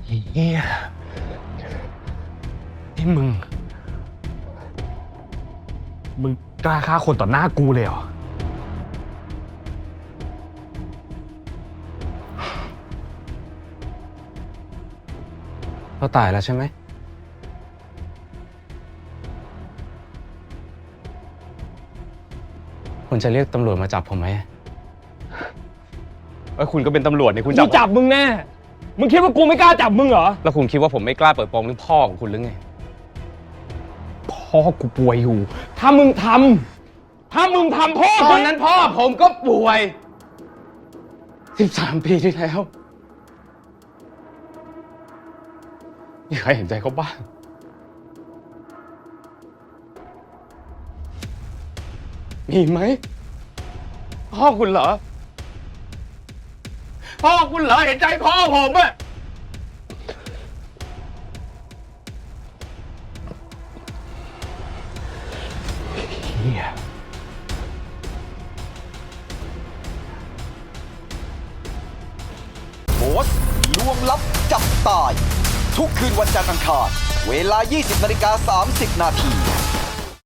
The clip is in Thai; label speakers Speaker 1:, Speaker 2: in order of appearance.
Speaker 1: เฮียนี่มึงกล้าฆ่าคนต่อหน้ากูเลยเหรอ
Speaker 2: เราตายแล้วใช่ไหมคุณจะเรียกตำรวจมาจับผมไหม
Speaker 1: คุณก็เป็นตำรวจเนี่ยคุณ
Speaker 3: กูจับมึงแน่ มึงคิดว่ากูไม่กล้าจับมึงเหรอ
Speaker 2: แล้วคุณคิดว่าผมไม่กล้าเปิดโปงเรื่องพ่อของคุณหรือไง
Speaker 1: พ่อกูป่วยอยู่
Speaker 3: ถ้ามึงทำพ่อ
Speaker 2: ตอนนั้นพ่อผมก็ป่วย13 ปีที่แล้วมีใครเห็นใจเขาบ้างมีไหมพ่อคุณเหรอพ่อคุณเหรอเห็นใจพ่อผมอะ
Speaker 1: เฮีย
Speaker 4: โบสลวงลับจับตาย ทุกคืนวันจันทร์อังคารเวลา 20:30 นาที